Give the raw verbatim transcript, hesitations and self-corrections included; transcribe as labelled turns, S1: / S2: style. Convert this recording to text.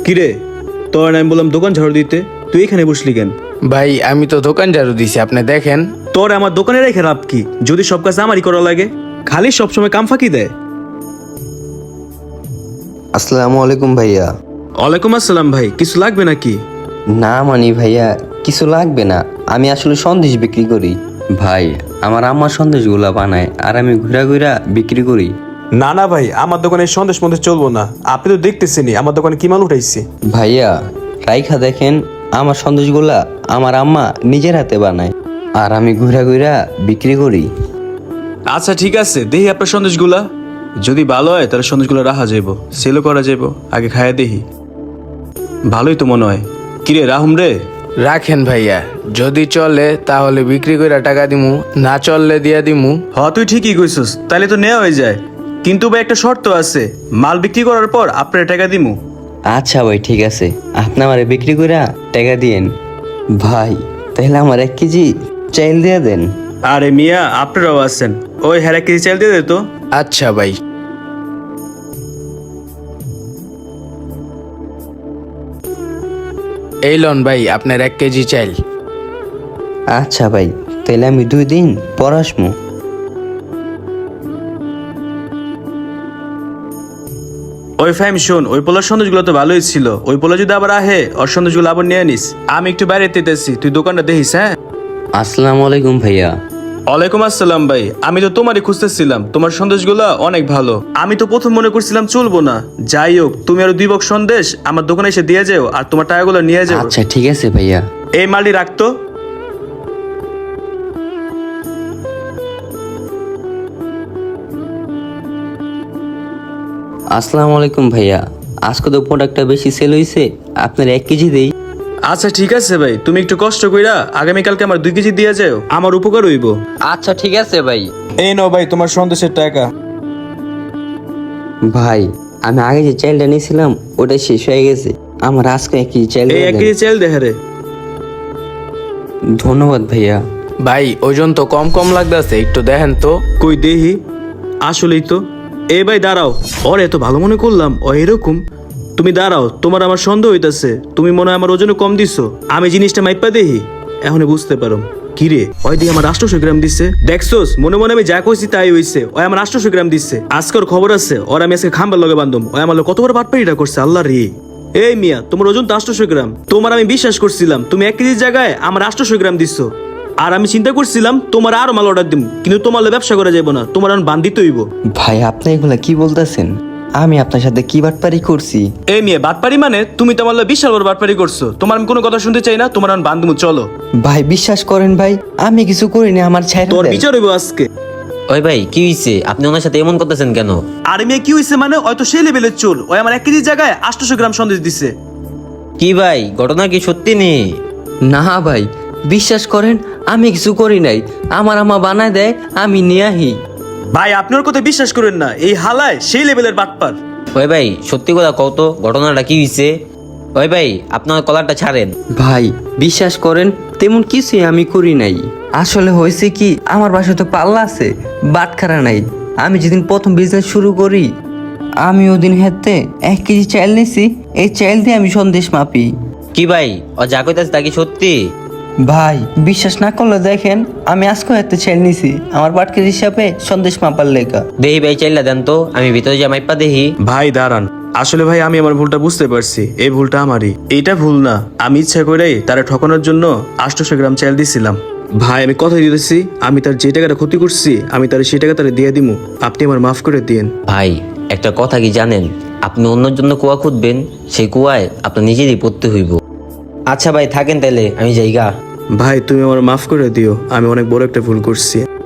S1: কিরে, তোর আমি বললাম দোকান ঝাড়ু দিতে, তুই এখানে বসলি কেন?
S2: ভাই আমি তো দোকান ঝাড়ু দিছি, আপনি দেখেন।
S1: তোর আমার দোকানে রেখে লাভ কি, যদি সব কাজ আমারই করা লাগে? খালি সবসময় কাম ফাঁকি দেয়।
S3: আসসালামু আলাইকুম ভাইয়া।
S1: ওয়ালাইকুম আসসালাম ভাই, কিছু লাগবে নাকি?
S3: না মানি ভাইয়া, কিছু লাগবে না। আমি আসলে সন্দেশ বিক্রি করি। ভাই আমার আম্মা সন্দেশগুলা বানায় আর আমি ঘুরা ঘুরা বিক্রি করি।
S1: না না ভাই, আমার দোকানে সন্দেশ মন্দেশ চলবো না। আপনি তো দেখতেছেনই আমার দোকানে কি মাল উঠাইছি।
S3: ভাইয়া রাইখা দেখেন, আমার সন্দেশগুলা আমার আম্মা নিজের হাতে বানায় আর আমি ঘুরা ঘুরা বিক্রি করি।
S1: আচ্ছা ঠিক আছে, দেখি আপনার সন্দেশগুলা। যদি ভালো হয় তাহলে সন্দেশগুলো রাখা যাইব, সেলও করা যাইব। আগে খাইয়া দেখি। ভালোই তো মনে হয়। কিরে রাহুম রে?
S2: রাখেন ভাইয়া, যদি চলে তাহলে বিক্রি করে টাকা দিমু, না চললে দিয়া দিমু।
S1: হ তুই ঠিকই কইছস, তাহলে তো নেওয়া হয়ে যায়। কিন্তু ভাই একটা শর্ত আছে, মাল বিক্রি করার পর আপনার টাকা দিমু।
S3: আচ্ছা ভাই ঠিক আছে, আপনি আমারে বিক্রি কইরা টাকা দিয়েন। ভাই তাহলে আমার এক কেজি চাইল দিয়ে দেন।
S1: আরে মিয়া, আপনারাও আছেন, ওই হ্যাঁ এক কেজি চাল দিয়ে দে তো।
S2: আচ্ছা ভাই। এই লন ভাই আপনার এক কেজি চাইল।
S3: আচ্ছা ভাই, তাহলে আমি দুই দিন পর আসমু।
S1: ওই ফাইম শোন, ওই পোলার সন্দেশগুলো তো ভালোই ছিল। ওই পোলা যদি আবার আহে, ওর সন্দেশগুলো আবার নিয়ে নিস। আমি একটু বাইরে তেতেছি, তুই দোকানটা দেখিস। হ্যাঁ
S3: আসসালামু আলাইকুম ভাইয়া।
S1: ওয়ালাইকুম আসসালাম ভাই, আমি তো তোমারই খুঁজতেছিলাম। তোমার সন্দেশগুলো অনেক ভালো। আমি তো প্রথম মনে করছিলাম চলবো না, যাই হোক তুমি আরো দুই বক্স সন্দেশ আমার দোকানে এসে দিয়ে যাও, আর তোমার টাকাগুলো নিয়ে যাও।
S3: আচ্ছা ঠিক আছে ভাইয়া।
S1: এই মালটি রাখতো।
S3: আসসালামু আলাইকুম ভাইয়া, আজকে তো প্রোডাক্টটা বেশি সেল হয়েছে, আপনার এক কেজি দেই।
S1: আচ্ছা ঠিক আছে ভাই, তুমি একটু কষ্ট কইরা আগামীকালকে আমার দুই কেজি দিয়ে যাও, আমার উপকার হইব।
S3: আচ্ছা ঠিক আছে ভাই।
S1: এই নাও ভাই তোমার সন্দেশের টাকা।
S3: ভাই আমি আগে যে চাইলটা নিয়েছিলাম ওটা শেষ হয়ে গেছে, আমার আজকে এক কেজি চাইল
S1: এই
S3: দিয়ে
S1: এক
S3: দেন।
S1: কেজি চাল দেখে রে।
S3: ধন্যবাদ ভাইয়া।
S2: ভাই ওজন তো কম কম লাগতেছে, একটু দেখেন তো।
S1: কই দেহি, আসলেই তো। এই ভাই দাঁড়াও, ওর এত ভালো মনে করলাম ও এরকম। তুমি দাঁড়াও, তোমার আমার সন্দেহ হইতাছে। তুমি মনে হয় আমার ওজনে কম দিছো। আমি জিনিসটা মাইপা দেহি, এখন বুঝতে পারো। কিরে, ওই দিয়ে আমার আটশোশো গ্রাম দিচ্ছে। দেখছোস, মনে মনে আমি যা কইছি তাই হইছে। ওই আমার আটশোশো গ্রাম দিচ্ছে। আজকের খবর আছে, ওর আমি আজকে খাম্বার লগে বান্ধব। ওই আমার কত বড় বাটপাড়িটা করছে, আল্লাহ রে। এই মিয়া, তোমার ওজন তো আটশোশো গ্রাম। তোমার আমি বিশ্বাস করছিলাম, তুমি এক কেজির জায়গায় আমার আটশোশো গ্রাম দিচ্ছ। আর আমি চিন্তা করছিলাম তোমার আরো মাল অর্ডার দিব, কিন্তু তোমার ব্যবসা করা যাবো না, তোমার এখন বান্ধিত হইব।
S3: ভাই আপনি এগুলা কি বলতেছেন? আমি আপনার সাথে কি বাটপারি করছি?
S1: এই মেয়ে বাটপারি মানে? তুমি তোমার লগে বিশাল বড় বাটপারি করছো। তোমার আমি কোনো কথা শুনতে চাই না, তোমার এখন বান্ধব। চলো
S3: ভাই বিশ্বাস করেন ভাই, আমি কিছু করিনি, আমার ছাইরা
S1: তোর
S3: দেন।
S1: বিচার হইব আজকে।
S4: ওই ভাই কি হইছে, আপনি ওনার সাথে এমন করতেছেন কেন?
S1: আর মেয়ে কি হইছে মানে? হয়তো সেই লেভেলের চোর। ওই আমার এক কেজির জায়গায় আটশোশো গ্রাম সন্দেশ দিছে।
S4: কি ভাই, ঘটনা কি সত্যি নেই?
S3: না ভাই বিশ্বাস করেন, আমি কিছু করি নাই, আমার আমা বানায় দেয়, আমি নিয়ে আহি।
S1: ভাই আপনার কথা বিশ্বাস করেন না, এই হালায় সেই লেভেলের বাটপার।
S4: ওই ভাই সত্যি কথা কও তো, ঘটনাটা কি হইছে? ওই ভাই আপনার কলারটা ছাড়েন।
S3: ভাই বিশ্বাস করেন, তেমন কিছুই আমি করি নাই। আসলে হয়েছে কি, আমার বাসায় তো পাল্লা আছে, বাটখারা নাই। আমি যেদিন প্রথম বিজনেস শুরু করি, আমি ওদিন হেতে এক কেজি চাইল নিছি। এই চাইল দিয়ে আমি সন্দেশ মাপি।
S4: কি ভাই, ও যা কইতাছে তা কি সত্যি?
S3: ভাই বিশ্বাস না করলে দেখেন, আমি আজকে হাতে চাইল নিছি আমার বাটকের হিসাবে সন্দেশ মাপার লেখা।
S4: দেহি ভাই চাইলা দেন তো, আমি ভিতরে যা মাইপা দেখি।
S1: ভাই দাঁড়ান, আসলে ভাই আমি আমার ভুলটা বুঝতে পারছি। এই ভুলটা আমারই, এইটা ভুল না। আমি ইচ্ছা করেই তারা ঠকানোর জন্য আটশোশো গ্রাম চাল দিছিলাম। ভাই আমি কথা দিতেছি, আমি তার যে টাকাটা ক্ষতি করছি আমি তার সেই টাকা তারা দিয়ে দিমু। আপনি আমার মাফ করে দিয়েন।
S4: ভাই একটা কথা কি জানেন, আপনি অন্যের জন্য কুয়া খুঁজবেন, সেই কুয়ায় আপনার নিজেরই পড়তে হইব। আচ্ছা ভাই থাকেন তাইলে, আমি যাইগা।
S1: ভাই তুমি আমার মাফ করে দিও, আমি অনেক বড় একটা ভুল করছি।